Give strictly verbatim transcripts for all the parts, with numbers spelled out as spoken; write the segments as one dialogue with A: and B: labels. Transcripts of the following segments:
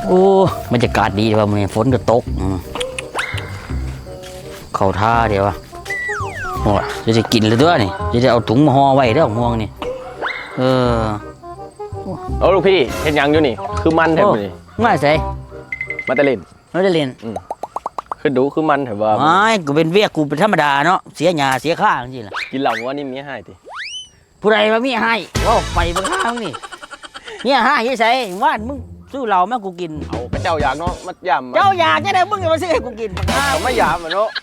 A: โอ้บรรยากาศดีว่ามันฝนก็ตกเข้าท่าเดี๋ยววะโอ้จะจะกินเลยด้วยนี่จะจะเอาถุงมาห่อไว้เด้อห่วงนี่เออ
B: โอ้ลูกพี่เห็นยังอยู่นี่คือมันแถบนี่
A: ง่ายใส่
B: มาตะเล่น
A: มาตะเล่น
B: คือดูคือมันแถบว่า
A: ไม่กูเป็นเวียกกูเป็นธรรมดาเนาะเสียหยาเสียข้าจริงๆล่ะ
B: กินเหล่าว่านี่มีให้ติ
A: ผู้ใดมามีให้ว่าไปบ้างข้างนี่เนี่ยให้ยี่ใส่ว่านมึงซื้อเหล้าแม่กูกิน
B: เอากระเจ้าอยากเนาะมัดยำ
A: เจ้าอยากจะได้มึงจะมาซื้อให้กูกิน
B: เขาไม่ยำอ่ะเนาะ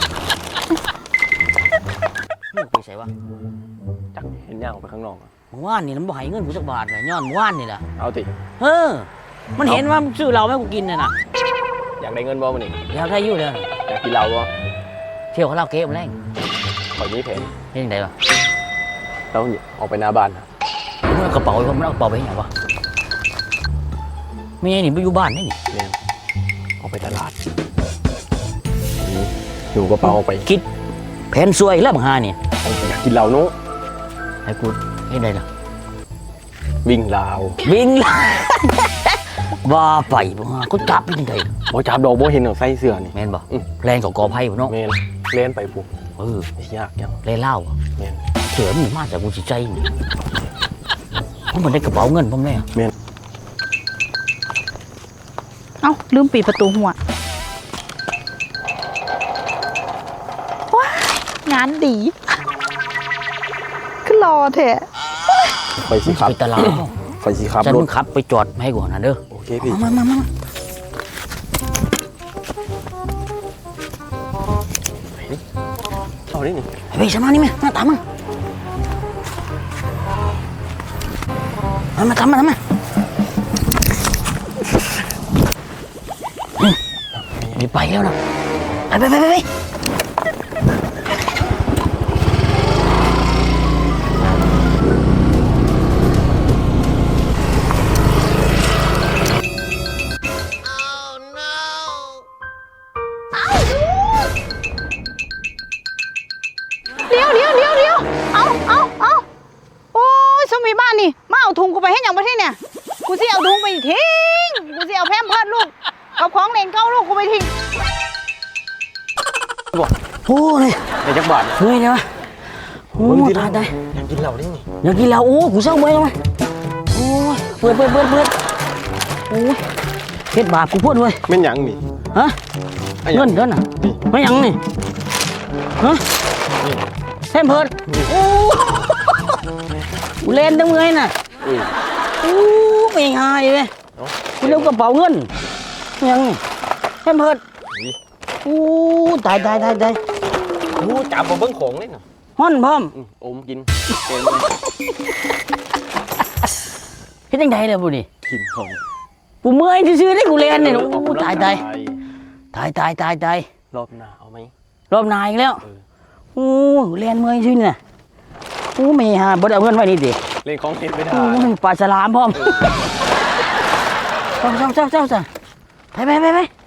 A: มึงไปใส่วะ
B: จักเห็นย่างออกไปข้างนอก
A: เมื่อวานนี่มันบ่ให้เงินกูสักบาทเลยย้อนเมื่อวานนี่แหละ
B: เอาติ
A: เออมันเห็นว่าซื้อเหล้าแม่กูกินเนี่ยนะ
B: อยากได้เงินบ่มันนี่
A: อยากได้ยุ่เลย
B: อยากกินเหล้าบ่
A: เที่ยวเขาเล่าเก๊มแรง
B: ขอยี่เพน
A: เล่นยังไงวะ
B: แล้วออกไปหน้าบ้านนะ
A: มึงเอากระเป๋ามึงเอากระเป๋าไปยังไงวะไม่ใช่นี่ไปอยู่บ้านนี่นี่
B: เนี่ยออกไปตลาดอยู่กระเป๋าออกไป
A: คิดแผนซวยแล้วบังฮานี่
B: อยากกินเหล้านู้
A: ให้กูเห็นได้ล่ะ
B: วิ่งลาว
A: วิ่งว่าไปบังฮากูจับยังไง
B: บ่จับดอกบ่เห็นเอาใส่เสื้อนี่
A: แม่นบ่แรงกับกอไผ่บ่เนาะ
B: แม่นเล่นไปปุ๊บ
A: เอ
B: อยากยัง
A: เล่นเล่า
B: แม่น
A: เสือมันมาจากกูจิใจนี่เพราะมันได้กระเป๋าเงินผมแน่
B: แม่น
C: เอ้าลืมปิดประตูหัวว้างานดีขึ้นรอเถอะ
B: ไปสิครับ
A: ไปตลาด
B: ไปสิครับ
A: ฉันมึงขับไปจอดให้ก่อนนะเด้อ
B: โอเคพี่
A: มามามา
B: เอาดินี่
A: ไปสมานี่มั้ยมาตามมามาทำมาทำมานี่ไปแล้วนะไปไปไปไป
C: เดี๋ยวเดี๋ยวเดี๋ยวเดี๋ยวเอาเอาเอาโอ้ยสมัยบ้านนี่มาเอาถุงกูไปให้ยังประเทศเนี่ยกูสิเอาถุงไปทิ้งกูสิเอาแพมเพิร์สลูกกับของเล่นเก้าลูกกูไปทิ้ง
A: โอ้ย
B: ในจักรบาท
A: เฮ้ยเนี่ยวะโอ้ยตายได้
B: อยากกินเหล้าดิ
A: อยากกินเหล้าโอ้กูเศร้าเมื่อยแล้วไหมโอ้ยเปิดเปิดเปิดเปิดโอ้ยเฮ็ดบาปกูพูดเว้ย
B: แม่นยังนี่
A: ฮะเงินเงินอ่ะไม่ยังนี่ฮะแพมเพิร์สโอ้กูเล่นตั้งเมื่อยน่ะโอ้ไม่หายเลยกูเลี้ยวกระเป๋าเงินยังแพมเพิร์สโอ้ตายตายตายตาย
B: โอ้จับมาเบิ้งของเลยเนาะ
A: ฮ้อนพร้อม
B: อมกิน
A: เฮ็ดจังได๋ล่ะบุนี่
B: กินของ
A: กูเมื่อยซื่อๆได้กูเล่นนี่โอ้ตายตายตายตายตายตาย
B: รอบหน้าเอาไหม
A: รอบหน้าอีกแล้วโอ้เล่นเมื่อยซื่อน่ะโอ้ไม่หาบ่ได้เอาเงินไว้นี่ดิ
B: เล่นของเฮ็ดไม่ได้
A: โอ้ปลาฉลามพร้อมเจ้าเจ้าเจ้าเจ้าไปไปไปไป